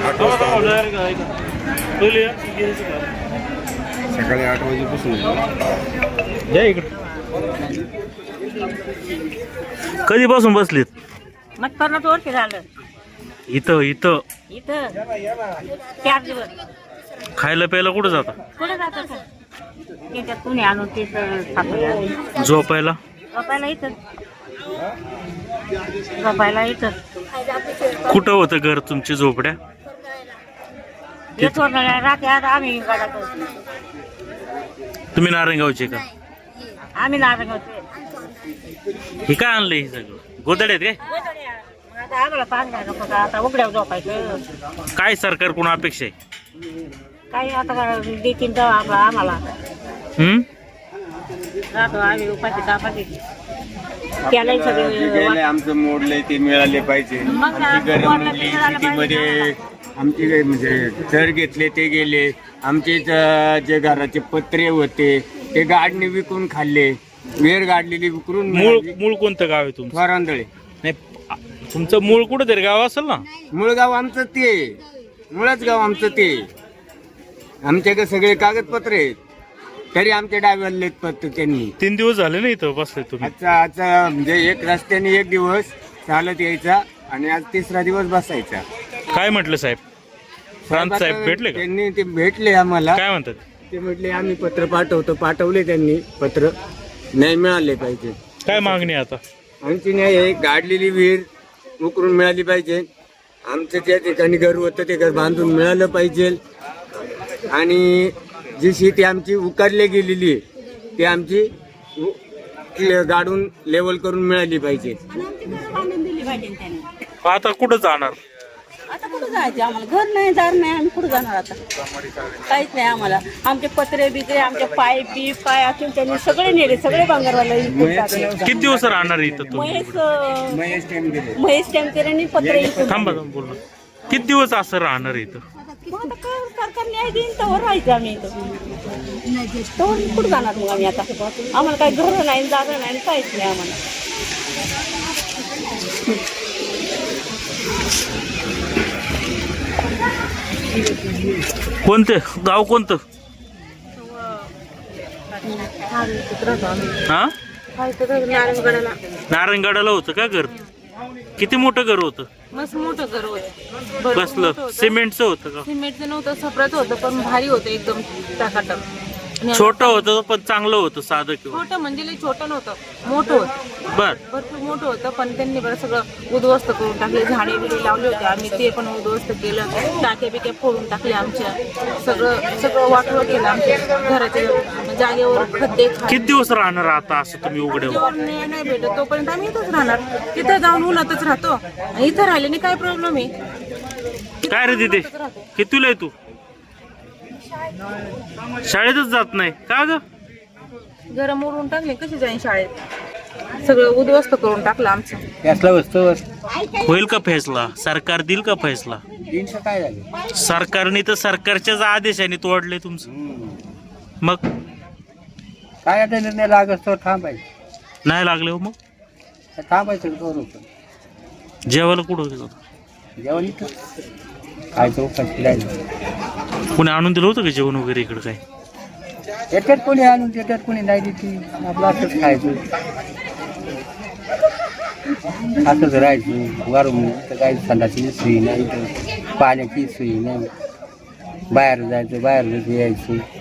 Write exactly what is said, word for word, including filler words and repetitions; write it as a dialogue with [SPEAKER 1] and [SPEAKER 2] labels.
[SPEAKER 1] आठ वाजता सकाळी आठ वाजेपासून
[SPEAKER 2] या इकडे. कधीपासून बसलीत
[SPEAKER 3] मग पन्नास वर्ष झालं
[SPEAKER 2] इथं इथं
[SPEAKER 3] इथं चार दिवस.
[SPEAKER 2] खायला प्यायला कुठं जाता?
[SPEAKER 3] कुठे जातं का त्याच्यात कुणी आणून तिथं खातो.
[SPEAKER 2] झोपायला
[SPEAKER 3] झोपायला इथं झोपायला इथं
[SPEAKER 2] कुठं होतं घर तुमची झोपड्या?
[SPEAKER 3] येतो रात्री आता आम्ही गाडात
[SPEAKER 2] तुम्ही नारायणगावचे का?
[SPEAKER 3] आम्ही नारायणगावचे.
[SPEAKER 2] हे काय आणलं हे सगळं? गोदड्यात काय?
[SPEAKER 3] मग आता आम्हाला पाच घ्या नको का आता उघड्यावर झोपायचं.
[SPEAKER 2] काय सरकारकडून अपेक्षा आहे?
[SPEAKER 3] काही आता देतील तेव्हा आम्हाला आम्हाला
[SPEAKER 2] हम्म
[SPEAKER 3] राहतो आम्ही उपाशी दापाशी त्यालाही सगळे
[SPEAKER 4] गेले आमचं मोडलंय ते मिळाले पाहिजे.
[SPEAKER 3] मग
[SPEAKER 4] आमची घरं
[SPEAKER 3] मोडलं
[SPEAKER 4] मोडली
[SPEAKER 3] ते झालं
[SPEAKER 4] शेतीमध्ये आमची काही म्हणजे घर घेतले ते गेले. आमचे इथं जे घराचे पत्रे होते ते गाडणे विकून खाल्ले. वेर गाडलेली विकून
[SPEAKER 2] मूळ मूळ कोणतं गाव आहे तुमचं?
[SPEAKER 4] वरांदळे.
[SPEAKER 2] नाही तुमचं मूळ कुठं तरी गाव असेल ना?
[SPEAKER 4] मूळ गाव आमचं ते मुळच गाव आमचं ते. आमच्याकडे सगळे कागदपत्र आहेत तरी आमच्या डाव्याला पत्र त्यांनी.
[SPEAKER 2] तीन दिवस झाले ना इथं बसले तुम्ही.
[SPEAKER 4] आजचा आजचा म्हणजे एक रस्त्याने एक दिवस चालत यायचा आणि आज तिसरा दिवस बसायचा.
[SPEAKER 2] काय म्हटलं साहेब? प्रांत साहेब भेटले का?
[SPEAKER 4] त्यांनी ते भेटले आम्हाला.
[SPEAKER 2] काय म्हणतात?
[SPEAKER 4] ते म्हटले आम्ही पत्र पाठवतो. पाठवले त्यांनी पत्र. नाही मिळाले पाहिजे.
[SPEAKER 2] काय मागणी आहे आता?
[SPEAKER 4] आमची न्याय आहे गाडलेली विहीर उकरून मिळाली पाहिजे. आमचं त्या ठिकाणी घर होतं ते घर बांधून मिळालं पाहिजे आणि जी शेती आमची उकारली गेलेली आहे ती आमची उ- गाडून लेवल करून मिळाली पाहिजे.
[SPEAKER 2] आता कुठं जाणार?
[SPEAKER 5] आता कुठं जायचं आम्हाला? घर नाही दार नाही आम्ही कुठं जाणार आता? काहीच नाही आम्हाला. आमचे पत्रे बित्रे आमचे पाय बीप काय असून त्यांनी सगळे नेले. सगळे बांगरवाला
[SPEAKER 2] किती दिवस राहणार इथं तुम्ही?
[SPEAKER 5] महेश अं,
[SPEAKER 4] महेश टेमगिरे.
[SPEAKER 5] महेश टेमकेरांनी पत्रे इकून
[SPEAKER 2] थांबा थांबा बोल. किती दिवस असं राहणार इथं?
[SPEAKER 5] मग आता काय सरकार न्याय देईन तर राहायचं आम्ही इथं. तर कुठं जाणार मग आम्ही आता? आम्हाला काही घर नाही जागा नाही काहीच नाही आम्हाला.
[SPEAKER 2] कोणते गाव कोणतं? हा
[SPEAKER 5] नारायणगडाला
[SPEAKER 2] नारायणगडाला होतं का घर? किती मोठं घर होतं?
[SPEAKER 5] मस्त मोठं घर होतं.
[SPEAKER 2] कसलं सिमेंटचं होतं का?
[SPEAKER 5] सिमेंटचं नव्हतं सफराचं होतं पण भारी होतं एकदम टाकाटक.
[SPEAKER 2] छोटं होतं पण चांगलं होतं साधं किंवा
[SPEAKER 5] छोटं म्हणजे लई छोटं नव्हतं मोठं होतं.
[SPEAKER 2] बर.
[SPEAKER 5] भरपूर मोठं होतं पण त्यांनी बरं सगळं उद्ध्वस्त करून टाकले. झाडे बिडे लावले होते आम्ही ते पण उद्ध्वस्त केलं. टाके बिके फोडून टाकले आमच्या. सगळं सगळं वाटवं केलं आमच्या घराच्या जागेवर खड्डे खाली.
[SPEAKER 2] किती दिवस राहणार आता असं तुम्ही उघड्यावर?
[SPEAKER 5] जेव्हा न्याय नाही भेटत तोपर्यंत आम्ही इथंच राहणार. तिथं जाऊन उन्हातच राहतो. आणि इथं राहिल्याने काय प्रॉब्लेम आहे?
[SPEAKER 2] काय रे तिथे कितीला आहे तू? शाळेतच जात नाही का ग?
[SPEAKER 5] घर मोडून टाकले कशी जाईन शाळेत? सगळं उद्ध्वस्त करून टाकलं आमचं.
[SPEAKER 4] त्यासला वस्तूवर
[SPEAKER 2] होईल का फैसला? सरकार देईल का फैसला?
[SPEAKER 4] तीनशे काय झाले?
[SPEAKER 2] सरकारने तर सरकारच्याच आदेशाने तोडले तुमचं. मग
[SPEAKER 4] काय आता निर्णय लागत तो थांबायचं.
[SPEAKER 2] नाही लागले हो मग
[SPEAKER 4] थांबायचं करू.
[SPEAKER 2] जेवायला कुठं गेलो?
[SPEAKER 4] जेवण इथं काय तो फिरायला
[SPEAKER 2] कोणी आणून दिलं होतं का जेवण वगैरे इकडं? काय
[SPEAKER 4] येतात कोणी आणून देतात कोणी नाही देते. आपलं असंच खायचं असंच राहायचं. वरून तर काही संडाची सोयी नाही पाण्याची सोयी नाही. बाहेर जायचं बाहेर यायचं.